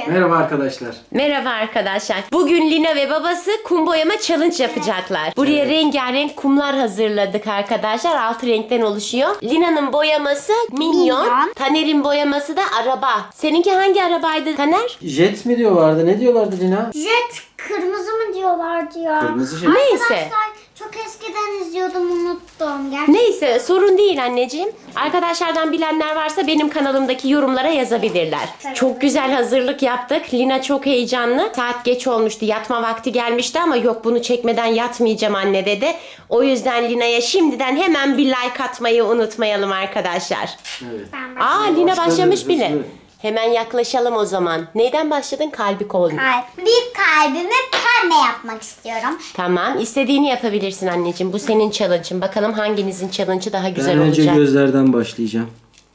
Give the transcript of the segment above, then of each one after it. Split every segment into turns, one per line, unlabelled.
Merhaba arkadaşlar.
Merhaba arkadaşlar. Bugün Lina ve babası kum boyama challenge yapacaklar. Buraya rengarenk kumlar hazırladık arkadaşlar. 6 renkten oluşuyor. Lina'nın boyaması minyon. Taner'in boyaması da araba. Seninki hangi arabaydı Taner?
Jet mi diyorlardı? Ne diyorlardı Lina?
Jet kırmızı mı diyorlardı ya?
Kırmızı jet.
Neyse.
Arkadaşlar çok eskiden izliyordum, unuttum. Gerçekten.
Neyse sorun değil anneciğim. Arkadaşlardan bilenler varsa benim kanalımdaki yorumlara yazabilirler. Çok güzel hazırlık yaptık. Lina çok heyecanlı. Saat geç olmuştu. Yatma vakti gelmişti ama yok bunu çekmeden yatmayacağım anne dedi. O yüzden Lina'ya şimdiden hemen bir like atmayı unutmayalım arkadaşlar.
Evet.
Aa Lina
Başladı,
başlamış bile.
hızlı.
Hemen yaklaşalım o zaman. Neyden başladın? Kalbi kol.
Bir kalbimi pembe yapmak istiyorum.
Tamam. İstediğini yapabilirsin anneciğim. Bu senin challenge'ın. Bakalım hanginizin challenge'ı daha güzel
Ben önce
olacak.
gözlerden başlayacağım.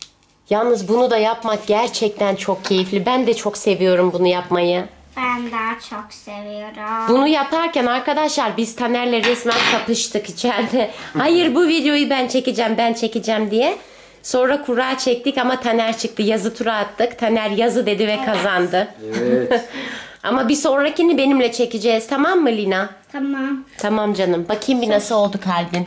Yalnız bunu da yapmak gerçekten çok keyifli. Ben de çok seviyorum bunu yapmayı.
Ben daha çok seviyorum.
Bunu yaparken arkadaşlar biz Taner'le resmen kapıştık içeride. Hayır bu videoyu ben çekeceğim diye. Sonra kura çektik ama Taner çıktı. Yazı tura attık. Taner yazı dedi ve kazandı.
Evet.
Ama bir sonrakini benimle çekeceğiz, tamam mı Lina?
Tamam.
Tamam canım. Bakayım bir nasıl oldu kalbin.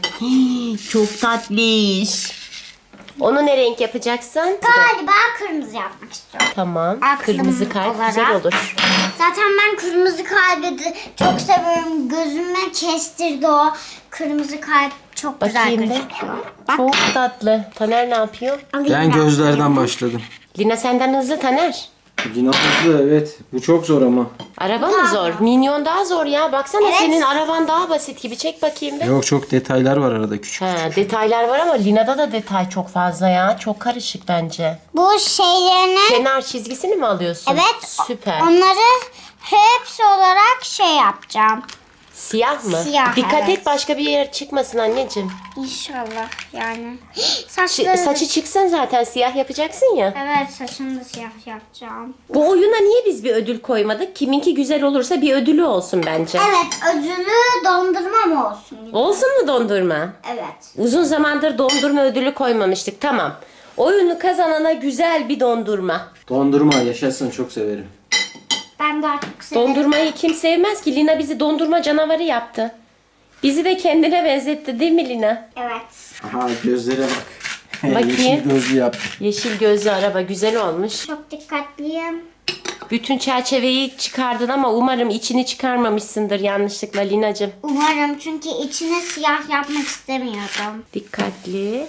Çok tatlış. Onu ne renk yapacaksın?
Galiba kırmızı yapmak istiyorum.
Tamam.
Aklım
Kırmızı kalp
olarak.
güzel olur.
Zaten ben kırmızı kalbi de çok seviyorum. Gözüme kestirdi o. Kırmızı kalp çok güzel
Bakayım bir.
gözüküyor. Bak.
Çok tatlı. Taner ne yapıyor?
alayım
Ben gözlerden başladım.
Lina senden hızlı Taner.
Lina hızlı, evet. Bu çok zor ama.
Araba mı zor? Minyon daha zor ya. Baksana
Evet.
senin araban daha basit gibi. Çek bakayım bir.
Yok, çok detaylar var arada, küçük.
Ha, detaylar var ama Lina'da da detay çok fazla ya. Çok karışık bence.
Bu şeylerini,
Kenar çizgisini mi alıyorsun?
evet,
Süper.
onları hepsi olarak şey yapacağım.
Siyah mı?
Siyah,
Dikkat
evet.
et başka bir yer çıkmasın anneciğim.
İnşallah yani. Saçları
Saçı çıksın zaten siyah yapacaksın ya.
Evet, saçını da siyah yapacağım.
Bu oyuna niye biz bir ödül koymadık? Kiminki güzel olursa bir ödülü olsun bence.
Evet, ödülü dondurma mı olsun?
Olsun mu dondurma?
Evet.
Uzun zamandır dondurma ödülü koymamıştık. Tamam. Oyunu kazanana güzel bir dondurma.
Dondurma yaşasın, çok severim.
Ben daha çok seviyorum.
Dondurmayı kim sevmez ki? Lina bizi dondurma canavarı yaptı. Bizi de kendine benzetti değil mi Lina?
Evet.
Aha, gözlere bak.
Bakayım.
Yeşil gözlü yaptım.
Yeşil gözlü araba güzel olmuş.
Çok dikkatliyim.
Bütün çerçeveyi çıkardın ama umarım içini çıkarmamışsındır yanlışlıkla Linacığım.
Umarım, çünkü içine siyah yapmak istemiyorum.
Dikkatli.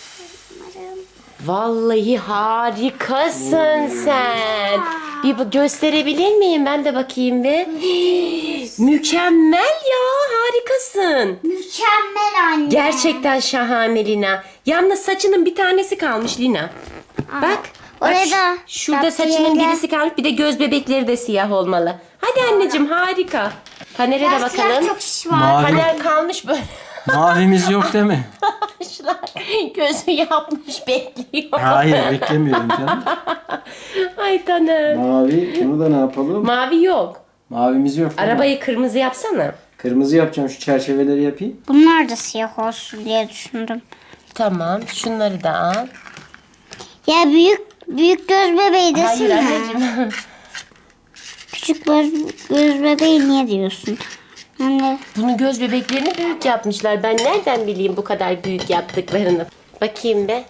Umarım.
Vallahi harikasın sen. Bir gösterebilir miyim? Ben de bakayım bir. Mükemmel ya, harikasın.
Mükemmel anne.
Gerçekten şahane Lina. Yalnız saçının bir tanesi kalmış Lina. Bak.
Oraya
bak,
da
şurada
yaptı
saçının
yenge.
birisi kalmış. Bir de göz bebekleri de siyah olmalı. Hadi anneciğim harika. Taner'e de
Siyah
bakalım.
çok şiş var.
Mavi.
Taner kalmış böyle.
Mavimiz yok değil mi?
Arkadaşlar gözü yapmış bekliyor.
Hayır, beklemiyorum canım.
Ay Taner.
Mavi, bunu da ne yapalım?
Mavi yok.
Mavimiz yok değil mi?
Arabayı kırmızı yapsana.
Kırmızı yapacağım, şu çerçeveleri yapayım.
Bunlar da siyah olsun diye düşündüm.
Tamam. Şunları da al.
Ya büyük göz bebeği
Hayır
desene.
anneciğim.
Küçük göz bebeği niye diyorsun? Yani
Bunun göz bebeklerini büyük yapmışlar. Ben nereden bileyim bu kadar büyük yaptıklarını? Bakayım be.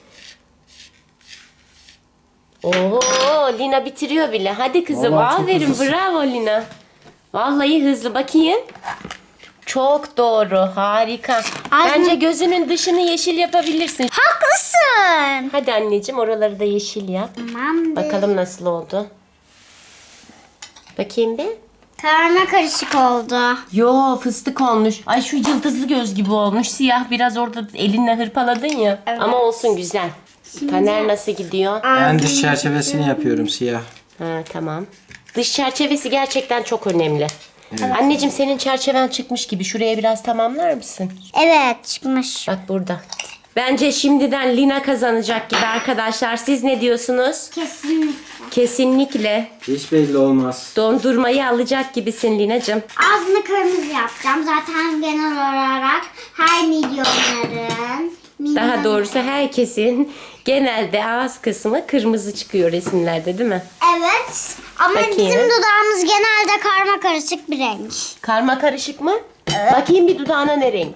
Oo, Lina bitiriyor bile. Hadi kızım.
Vallahi çok
Aferin.
hızlısın.
Bravo Lina. Vallahi hızlı. Bakayım. Çok doğru. Harika. Bence gözünün dışını yeşil yapabilirsin.
haklısın.
Hadi anneciğim oraları da yeşil yap.
Tamamdır.
Bakalım nasıl oldu. Bakayım bir.
Karma karışık oldu.
Yo fıstık olmuş. Ay şu yıldızlı göz gibi olmuş. Siyah biraz orada elinle hırpaladın ya.
Evet.
Ama olsun güzel. Taner nasıl gidiyor?
Ben dış çerçevesini yapıyorum, siyah.
Ha tamam. Dış çerçevesi gerçekten çok önemli. Anneciğim senin çerçeven çıkmış gibi. Şuraya biraz tamamlar mısın?
Evet, çıkmış.
Bak burada. Bence şimdiden Lina kazanacak gibi arkadaşlar. Siz ne diyorsunuz?
Kesinlikle.
Kesinlikle.
Hiç belli olmaz.
Dondurmayı alacak gibisin Linacığım.
Ağzını kırmızı yapacağım. Zaten genel olarak her milyonların
Daha doğrusu herkesin genelde ağız kısmı kırmızı çıkıyor resimlerde değil mi?
Evet. Ama
Bakayım.
bizim dudağımız genelde karma karışık bir renk.
Karma karışık mı? Bakayım bir dudağına ne renk?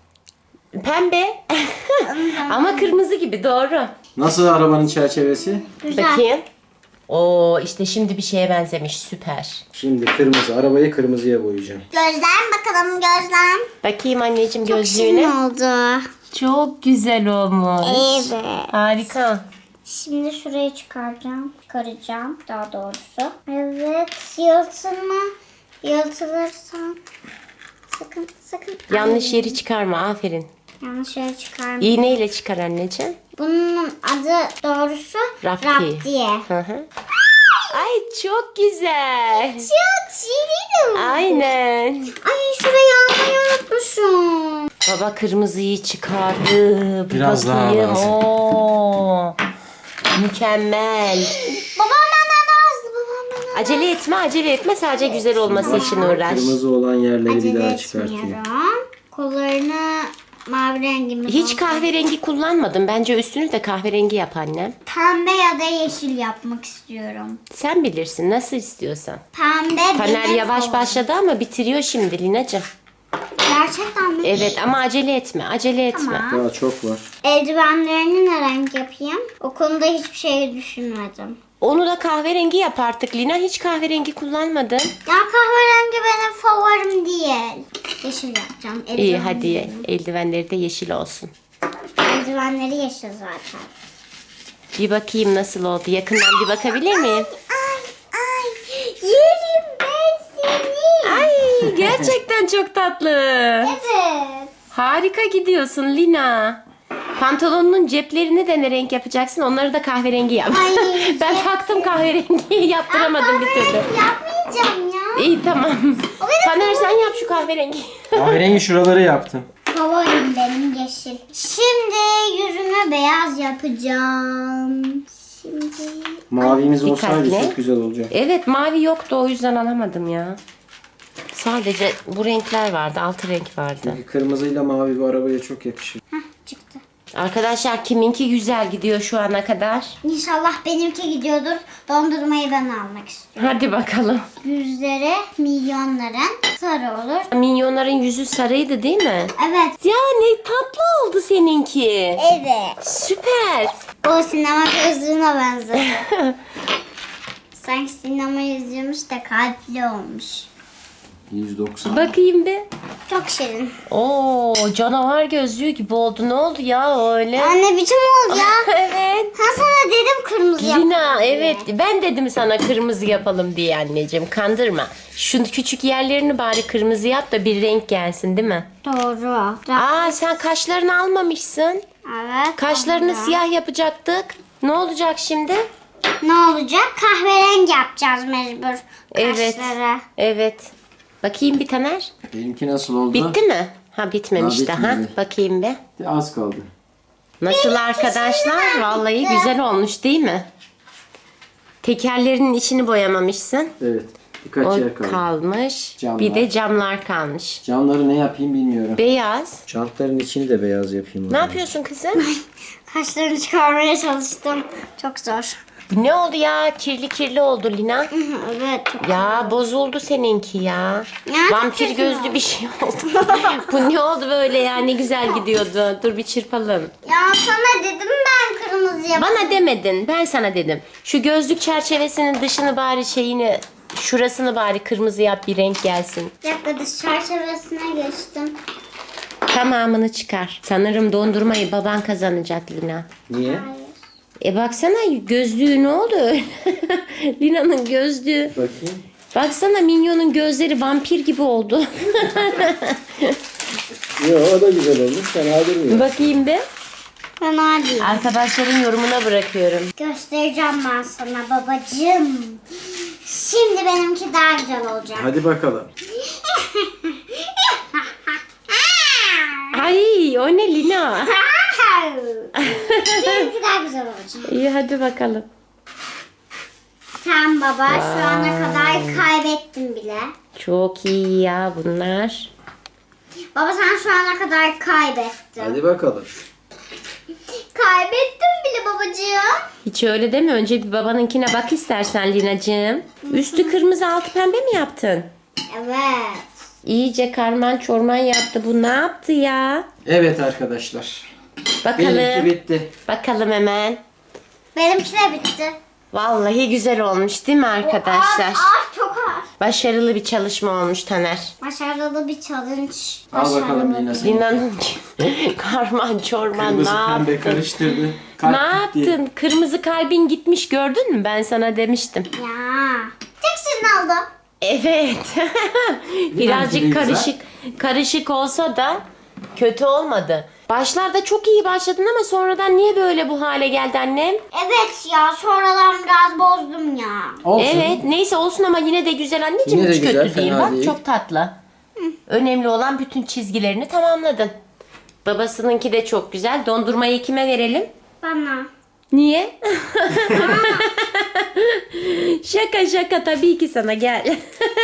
Pembe. Ama kırmızı gibi, doğru.
Nasıl arabanın çerçevesi?
Güzel.
Bakayım. Oo, işte şimdi bir şeye benzemiş, süper.
Şimdi kırmızı. Arabayı kırmızıya boyayacağım.
Gözlem bakalım gözlem.
Bakayım anneciğim
Şirin
gözlüğüne.
oldu.
Çok güzel olmuş.
Evet.
Harika.
Şimdi şurayı çıkaracağım daha doğrusu. Evet, yırtılma. Yırtılırsan sakın.
Yanlış yeri çıkarma, aferin.
Yanlış yere çıkarma.
İğneyle çıkar anneciğim.
Bunun adı doğrusu
Rapti.
diye.
Hı hı. Ay çok güzel.
Çok şirin.
Aynen.
Ay şurayı almayı unutmuşum.
Baba kırmızıyı çıkardı. Bir
Biraz daha
bakayım.
lazım.
Oo. Mükemmel.
Babam benden azdı.
Acele etme. Sadece güzel olması için uğraş.
Kırmızı olan yerleri bir
Acele
daha çıkartıyor.
etmiyorum. Kollarını mavi rengimiz
Hiç
olsun.
kahverengi kullanmadım. Bence üstünü de kahverengi yap annem.
Pembe ya da yeşil yapmak istiyorum.
Sen bilirsin nasıl istiyorsan.
Pembe
Taner
benim
yavaş
favorim.
başladı ama bitiriyor şimdi Linacığım.
Gerçekten mi?
Evet ama acele etme.
Tamam.
Daha çok var.
Eldivenlerini ne renk yapayım? O konuda hiçbir şey düşünmedim.
Onu da kahverengi yap artık Lina. Hiç kahverengi kullanmadın.
Ya kahverengi benim favorim değil. Yeşil yapacağım.
İyi hadi eldivenleri de yeşil olsun.
Eldivenleri yeşil zaten.
Bir bakayım nasıl oldu. Yakından bir bakabilir miyim?
Ay yerim ben seni.
Ay gerçekten çok tatlı.
Evet.
Harika gidiyorsun Lina. Pantolonunun ceplerini de ne renk yapacaksın? Onları da kahverengi yap.
Ay,
Ben taktım kahverengiyi yaptıramadım bir türlü.
Yapmayacağım ya.
İyi tamam.
O benim
Taner sen yap şu kahverengi.
Kahverengi şuraları yaptım.
favorim benim yeşil. Şimdi yüzüme beyaz yapacağım. Şimdi
Mavimiz olsaydı
dikkatli.
çok güzel olacak.
Evet mavi yoktu o yüzden alamadım ya. Sadece bu renkler vardı. 6 renk vardı.
Çünkü kırmızıyla mavi bu arabaya çok yakışır.
çıktı.
Arkadaşlar kiminki güzel gidiyor şu ana kadar?
İnşallah benimki gidiyordur. Dondurmayı ben almak istiyorum.
Hadi bakalım.
Yüzleri milyonların sarı olur.
Minyonların yüzü sarıydı değil mi?
Evet.
Ya ne tatlı oldu seninki.
Evet.
Süper.
O sinema gözlüğüne benzedi. Sanki sinema izliyormuş da kalpli olmuş.
190.
Bakayım bir.
Çok şirin.
Oo canavar gözlüğü gibi oldu. Ne oldu ya öyle?
Anne biçim oldu ya.
Evet.
Ha sana dedim kırmızı yap.
Lina evet ben dedim sana kırmızı yapalım diye anneciğim. Kandırma. Şu küçük yerlerini bari kırmızı yap da bir renk gelsin değil mi?
Doğru.
Aa sen kaşlarını almamışsın.
Evet.
Kaşlarını
doğru.
siyah yapacaktık. Ne olacak şimdi?
Ne olacak? Kahverengi yapacağız mecbur.
Evet.
Kaşları.
Evet. Bakayım bir Taner.
Benimki nasıl oldu?
Bitti mi? Ha bitmemiş
Ha,
daha.
bitmedi.
Bakayım bir.
Az kaldı.
Nasıl arkadaşlar? Vallahi güzel olmuş değil mi? Tekerlerinin içini boyamamışsın.
Evet. Birkaç
O
yer kaldı.
kalmış.
Camlar.
Bir de camlar kalmış.
Camları ne yapayım bilmiyorum.
Beyaz.
Jantların içini de beyaz yapayım. o
Ne
zaman.
yapıyorsun kızım?
Kaşlarını çıkarmaya çalıştım. Çok zor.
Ne oldu ya? Kirli kirli oldu Lina.
Evet. Çok
Ya bozuldu seninki ya.
Ya,
Vampir
çok
gözlü
güzel.
bir şey oldu. Bu ne oldu böyle ya? Ne güzel gidiyordu. Dur bir çırpalım.
Ya sana dedim ben kırmızı yap.
Bana demedin. Ben sana dedim. Şu gözlük çerçevesinin dışını bari şeyini, şurasını bari kırmızı yap bir renk gelsin.
Bir dakika dış çerçevesine geçtim.
Tamamını çıkar. Sanırım dondurmayı baban kazanacak Lina.
Niye?
Baksana gözlüğü ne oldu öyle? Lina'nın gözlüğü.
Bakayım.
Baksana Minyon'un gözleri vampir gibi oldu.
Yo o da güzel olmuş. Fena durmuyor.
Bakayım bir.
Fena değil.
Arkadaşların yorumuna bırakıyorum.
Göstereceğim ben sana babacığım. Şimdi benimki daha güzel olacak.
Hadi bakalım.
Ay o ne Lina?
Benimki daha güzel olacak.
İyi hadi bakalım.
Sen baba şu ana kadar kaybettin bile.
Çok iyi ya bunlar.
Baba sen şu ana kadar kaybettin.
Hadi bakalım.
kaybettim bile babacığım.
Hiç öyle deme. Önce bir babanınkine bak istersen Linacığım. Üstü kırmızı altı pembe mi yaptın?
Evet.
İyice karman çorman yaptı. Bu ne yaptı ya?
Evet arkadaşlar.
Bakalım.
Benimki bitti.
Bakalım hemen.
Benimki de bitti.
Vallahi güzel olmuş değil mi arkadaşlar?
Ağır çok ağır.
Başarılı bir çalışma olmuş Taner.
Başarılı bir challenge.
Al bakalım Lina sen.
Lina'nın karman çorman
Kırmızı
ne
pembe
yaptın?
karıştırdı. Kalp
Ne
gitti.
yaptın? Kırmızı kalbin gitmiş gördün mü? Ben sana demiştim.
Ya. Tek senin oldu.
Evet. Birazcık
güzel.
karışık olsa da kötü olmadı. Başlarda çok iyi başladın ama sonradan niye böyle bu hale geldi annem?
Evet ya sonradan biraz bozdum ya.
Olsun.
Evet neyse olsun ama yine de güzel anneciğim.
Yine de
Hiç
güzel,
kötü değil.
fena
Bak
değil.
çok tatlı. Önemli olan bütün çizgilerini tamamladın. Babasınınki de çok güzel. Dondurmayı kime verelim?
Bana.
Niye? Şaka tabii ki sana gel.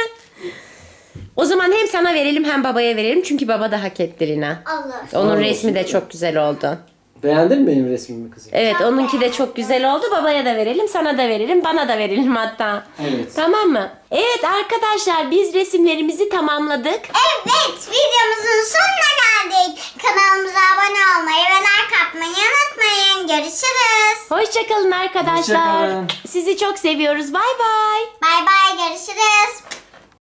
O zaman hem sana verelim hem babaya verelim. Çünkü baba da hak etti Lina.
Alır.
Onun
Sağ
resmi
olsun.
de çok güzel oldu.
Beğendin mi benim resmimi kızım?
Evet onunki de çok güzel oldu. Babaya da verelim, sana da verelim, bana da verelim hatta.
Evet.
Tamam mı? Evet arkadaşlar biz resimlerimizi tamamladık.
Evet videomuzun sonuna geldik. Kanalımıza abone olmayı ve like atmayı unutmayın. Görüşürüz.
Hoşçakalın arkadaşlar.
Hoşça kalın.
Sizi çok seviyoruz. Bay bay.
Bay bay görüşürüz.